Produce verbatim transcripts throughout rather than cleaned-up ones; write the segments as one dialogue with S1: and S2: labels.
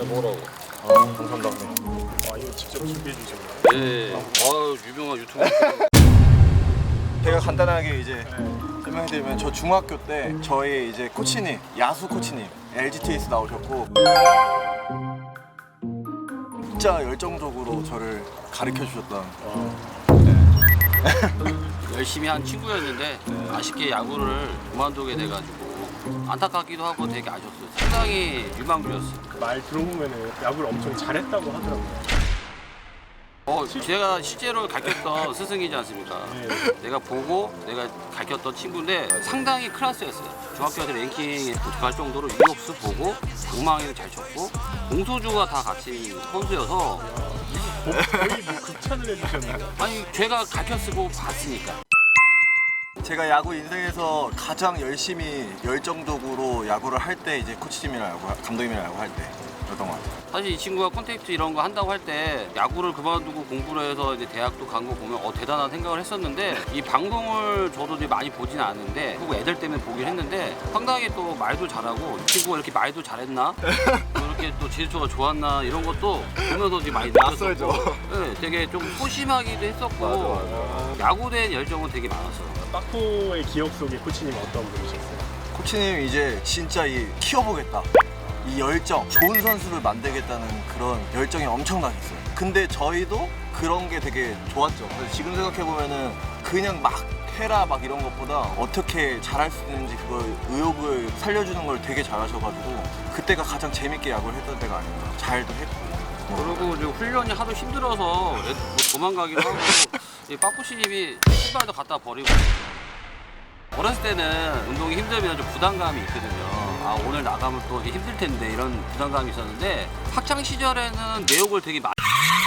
S1: 아니 먹으라고.
S2: 아 감사합니다.
S3: 아 이거 직접 준비해 주셨나요?
S1: 예. 아 유명한 유튜버.
S2: 제가 간단하게 이제
S3: 네.
S2: 설명해드리면 저 중학교 때 저희 이제 코치님 야수 코치님 엘지티에스 나오셨고 진짜 열정적으로 저를 가르쳐 주셨던
S1: 열심히 한 친구였는데 아쉽게 야구를 그만두게 돼가지고 안타깝기도 하고 되게 아쉬웠어요. 상당히 유망주였어요.
S3: 말 들어보면은 야구를 엄청 잘했다고 하더라고요.
S1: 어, 제가 실제로 가르쳤던 스승이지 않습니까?
S3: 네.
S1: 내가 보고 내가 가르쳤던 친구인데 상당히 클래스였어요. 중학교 때 랭킹에 도착할 정도로 유격수 보고 우망이를 잘 쳤고 공소주가 다 같이 선수여서
S3: 거의 뭐 극찬을 해주셨네요.
S1: 아니 제가 가르쳤고 봤으니까.
S2: 제가 야구 인생에서 가장 열심히 열정적으로 야구를 할 때 이제 코치님이랑 야구 감독님이랑 야구 할 때였던 것 같아요.
S1: 사실 이 친구가 콘택트 이런 거 한다고 할 때 야구를 그만두고 공부를 해서 이제 대학도 간 거 보면 어 대단한 생각을 했었는데 이 방송을 저도 이제 많이 보진 않는데 그리고 애들 때문에 보긴 했는데 상당히 또 말도 잘하고 이 친구가 이렇게 말도 잘했나 이렇게 또 제스처가 좋았나 이런 것도 보면서 이제 많이
S2: 낯설죠.
S1: 느꼈었고 네, 되게 좀 소심하기도 했었고
S2: 맞아, 맞아.
S1: 야구에 열정은 되게 많았어요.
S3: 빠코의 기억 속에 코치님 어떤 분이셨어요?
S2: 코치님 이제 진짜 이 키워보겠다 이 열정 좋은 선수를 만들겠다는 그런 열정이 엄청나게 있어요. 근데 저희도 그런 게 되게 좋았죠. 그래서 지금 생각해보면은 그냥 막 해라 막 이런 것보다 어떻게 잘할 수 있는지 그걸 의욕을 살려주는 걸 되게 잘하셔가지고 그때가 가장 재밌게 야구를 했던 때가 아닌가. 잘도 했고
S1: 그리고 이제 훈련이 하도 힘들어서 애들 뭐 도망가기도 하고 이 빠꾸씨님이 신발도 갖다 버리고 어렸을 때는 운동이 힘들면 좀 부담감이 있거든요. 아 오늘 나가면 또 힘들 텐데 이런 부담감이 있었는데 학창 시절에는 내욕을 되게 많이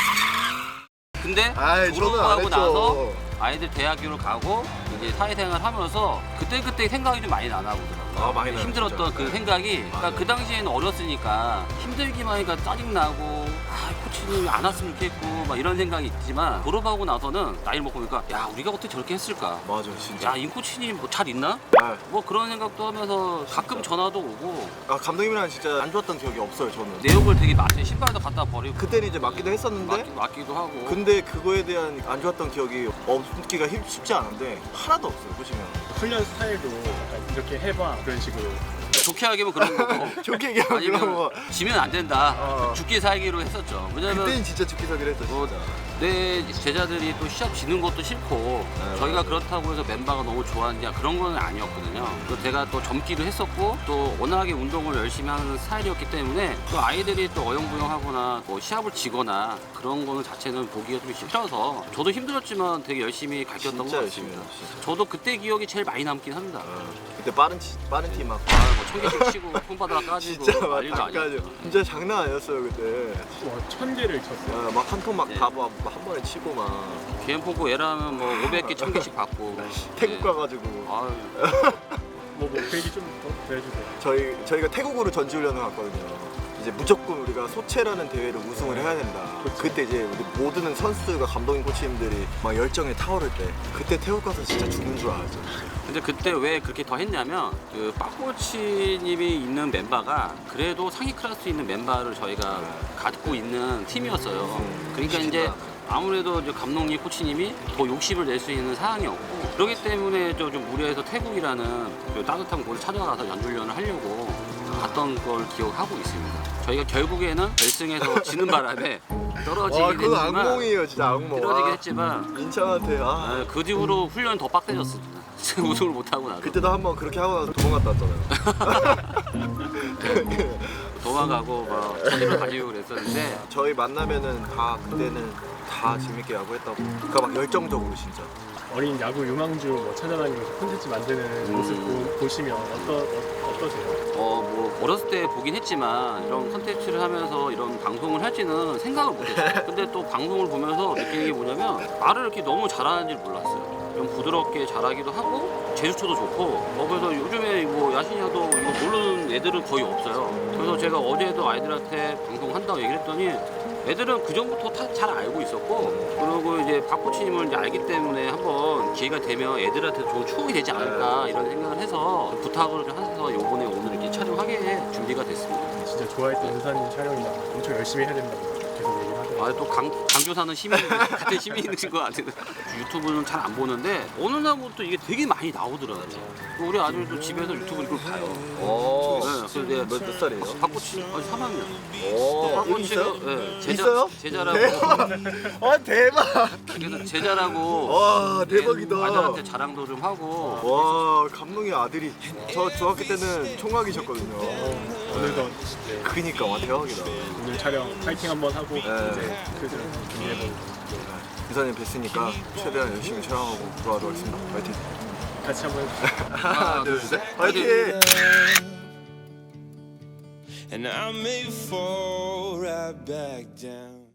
S1: 근데
S2: 아이, 저는 안
S1: 졸업하고
S2: 했죠.
S1: 나서 아이들 대학교를 가고 이제 사회생활 하면서 그때 그때 생각이 좀 많이 나나 보더라고요.
S2: 아, 많이 나요,
S1: 힘들었던
S2: 진짜.
S1: 그 생각이 그러니까 그 당시에는 어렸으니까 힘들기만 하니까 짜증 나고 아 코치님이 안 왔으면 좋겠고 막 이런 생각이 있지만 졸업하고 나서는 나이를 먹고 보니까 야 우리가 어떻게 저렇게 했을까?
S2: 맞아 진짜.
S1: 야 임 코치님 뭐 잘 있나?
S2: 아,
S1: 뭐 그런 생각도 하면서 가끔 전화도 오고
S2: 아, 감독님이랑 진짜 안 좋았던 기억이 없어요 저는.
S1: 내욕을 되게 많이 신발도 갖다 버리고
S2: 그때는 이제 맞기도 했었는데
S1: 맞기, 맞기도 하고
S2: 근데 그거에 대한 안 좋았던 기억이 없기가 힘- 쉽지 않은데 하나도 없어요 보시면.
S3: 훈련 스타일도 약간 이렇게 해봐 그런 식으로.
S1: 좋게 하기면 그런 거고
S2: 좋게 얘기하면 그런
S1: 아니면
S2: 거.
S1: 지면 안 된다
S2: 어.
S1: 죽기 살기로 했었죠. 왜냐면
S2: 그때는 진짜 죽기 살기로 했어
S1: 뭐,
S2: 진짜.
S1: 내 제자들이 또 시합 지는 것도 싫고
S2: 네,
S1: 저희가
S2: 맞아요.
S1: 그렇다고 해서 멤버가 너무 좋아하냐 그런 건 아니었거든요. 또 제가 또 젊기도 했었고 또 워낙에 운동을 열심히 하는 스타일이었기 때문에 또 아이들이 또 어영부영하거나 뭐 시합을 지거나 그런 거는 자체는 보기가 좀 싫어서 저도 힘들었지만 되게 열심히 가르쳤던 것
S2: 진짜 열심히
S1: 같습니다.
S2: 해요, 진짜.
S1: 저도 그때 기억이 제일 많이 남긴 합니다.
S2: 어, 그때 빠른 치, 빠른 팀 막.
S1: 아뭐 청개씩 치고 손바닥 까지고
S2: 진짜 막
S1: 난리도
S2: 다 까져.
S1: 아니었죠.
S2: 진짜 장난 아니었어요 그때.
S3: 와, 천 개를 쳤어요.
S2: 막 한 통 막
S1: 네.
S2: 다 한 번에 치고 막
S1: 비엠포고 얘라면 뭐 오백 개, 천 개씩 받고
S2: 태국
S1: 네.
S2: 가가지고
S1: 아유,
S3: 뭐, 뭐, 그 얘기 좀더 해주세요.
S2: 저희 저희가 태국으로 전지훈련을 갔거든요. 이제 무조건 우리가 소체라는 대회를 우승을 해야 된다.
S3: 그치.
S2: 그때 이제 우리 모든 선수들과 감독님 코치님들이 막 열정에 타오를 때 그때 태국 가서 진짜 죽는 줄 알았죠.
S1: 근데 그때 왜 그렇게 더 했냐면 그 빠코치님이 있는 멤버가 그래도 상위 클래스 있는 멤버를 저희가 갖고 있는 팀이었어요.
S2: 음,
S1: 그러니까 이제 아무래도 이제 감독님 코치님이 더 욕심을 낼 수 있는 상황이었고 그렇기 때문에 저 좀 무리해서 태국이라는 그 따뜻한 곳을 찾아가서 연주훈련을 하려고 갔던 걸 기억하고 있습니다. 저희가 결국에는 결승에서 지는 바람에 떨어지긴
S2: 와 그건
S1: 했지만
S2: 악몽이에요 진짜 악몽.
S1: 떨어지긴
S2: 아,
S1: 했지만
S2: 인천한테 아.
S1: 아, 그 뒤로 훈련 더 빡세졌습니다. 우승을 못하고 나서
S2: 그때도 한번 그렇게 하고 나서 도망갔다 왔잖아요.
S1: 도망가고 막 책임을 가지고 그랬었는데
S2: 저희 만나면은 다 그때는 다 재밌게 야구했다고. 그러니까 막 열정적으로 진짜.
S3: 어린 야구 유망주 뭐 찾아다니면서 콘텐츠 만드는
S1: 음.
S3: 모습 보, 보시면 어떠, 어, 어떠세요?
S1: 어 뭐 어렸을 때 보긴 했지만 이런 컨텐츠를 하면서 이런 방송을 할지는 생각을 못했어요. 근데 또 방송을 보면서 느끼는 게 뭐냐면 말을 이렇게 너무 잘하는지 몰랐어요. 좀 부드럽게 잘하기도 하고 제스처도 좋고 어 그래서 요즘에 뭐 야신야도 이거 모르는 애들은 거의 없어요. 그래서 제가 어제도 아이들한테 방송한다고 얘기를 했더니 애들은 그 전부터 잘 알고 있었고 그리고 이제 박 코치님을 이제 알기 때문에 한번 기회가 되면 애들한테 좋은 추억이 되지 않을까 이런 생각을 해서 부탁을 해서 요번에 오늘 이렇게 촬영하게 하게 준비가 됐습니다.
S3: 진짜 좋아했던 은사님 촬영이나 엄청 열심히 해야 된다고 계속 얘기를 하더라고요.
S1: 아, 또 강, 강조 사는 시민 같은 시민이신 것 같아요. 유튜브는 잘 안 보는데 어느 날부터 이게 되게 많이 나오더라고요. 우리 아들도 집에서 유튜브 이걸 봐요.
S2: 오.
S1: 네, 그래서 내가
S2: 몇, 몇 살이에요?
S1: 박코치 아직 삼 학년.
S2: 오. 여기 있어요?
S1: 네, 제자,
S2: 있어요?
S1: 제자라고.
S2: 대박. 와 대박.
S1: 그래서 제자라고.
S2: 와 대박이다.
S1: 아들한테 자랑도 좀 하고.
S2: 와 감독의 아들이 저 중학교 때는 총각이셨거든요.
S3: 오늘도 네,
S2: 그니까 와 대박이다.
S3: 오늘 촬영 파이팅 한번 하고
S2: 네.
S3: 이제 그저 준비해보고
S2: 기사님 뵀으니까 최대한 열심히 촬영하고 돌아가도록 하겠습니다. 파이팅.
S3: 같이 한번 해주세요.
S2: 하나 둘 셋. 파이팅.
S4: And I may fall right back down.